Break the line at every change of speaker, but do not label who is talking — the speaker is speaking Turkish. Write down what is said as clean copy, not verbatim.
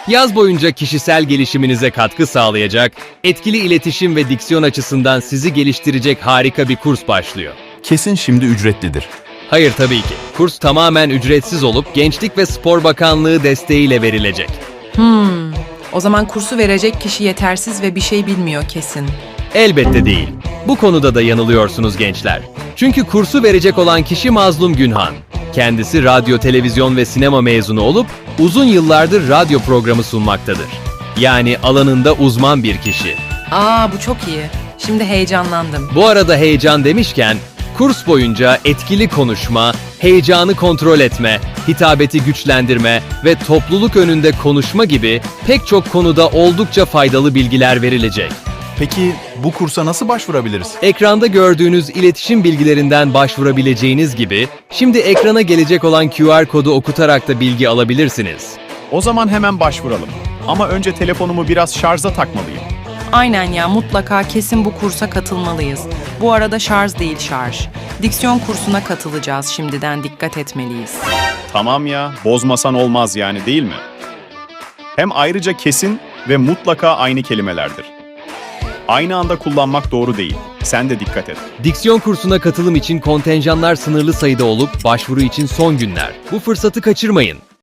Yaz boyunca kişisel gelişiminize katkı sağlayacak, etkili iletişim ve diksiyon açısından sizi geliştirecek harika bir kurs başlıyor.
Kesin şimdi ücretlidir.
Hayır tabii ki. Kurs tamamen ücretsiz olup Gençlik ve Spor Bakanlığı desteğiyle verilecek.
O zaman kursu verecek kişi yetersiz ve bir şey bilmiyor kesin.
Elbette değil. Bu konuda da yanılıyorsunuz gençler. Çünkü kursu verecek olan kişi Mazlum Günhan. Kendisi radyo, televizyon ve sinema mezunu olup uzun yıllardır radyo programı sunmaktadır. Yani alanında uzman bir kişi.
Bu çok iyi. Şimdi heyecanlandım.
Bu arada heyecan demişken, kurs boyunca etkili konuşma, heyecanı kontrol etme, hitabeti güçlendirme ve topluluk önünde konuşma gibi pek çok konuda oldukça faydalı bilgiler verilecek.
Peki bu kursa nasıl başvurabiliriz?
Ekranda gördüğünüz iletişim bilgilerinden başvurabileceğiniz gibi, şimdi ekrana gelecek olan QR kodu okutarak da bilgi alabilirsiniz.
O zaman hemen başvuralım. Ama önce telefonumu biraz şarja takmalıyım.
Aynen ya, mutlaka kesin bu kursa katılmalıyız. Bu arada şarj değil şarj. Diksiyon kursuna katılacağız, şimdiden dikkat etmeliyiz.
Tamam ya, bozmasan olmaz yani, değil mi? Hem ayrıca kesin ve mutlaka aynı kelimelerdir. Aynı anda kullanmak doğru değil. Sen de dikkat et.
Diksiyon kursuna katılım için kontenjanlar sınırlı sayıda olup başvuru için son günler. Bu fırsatı kaçırmayın.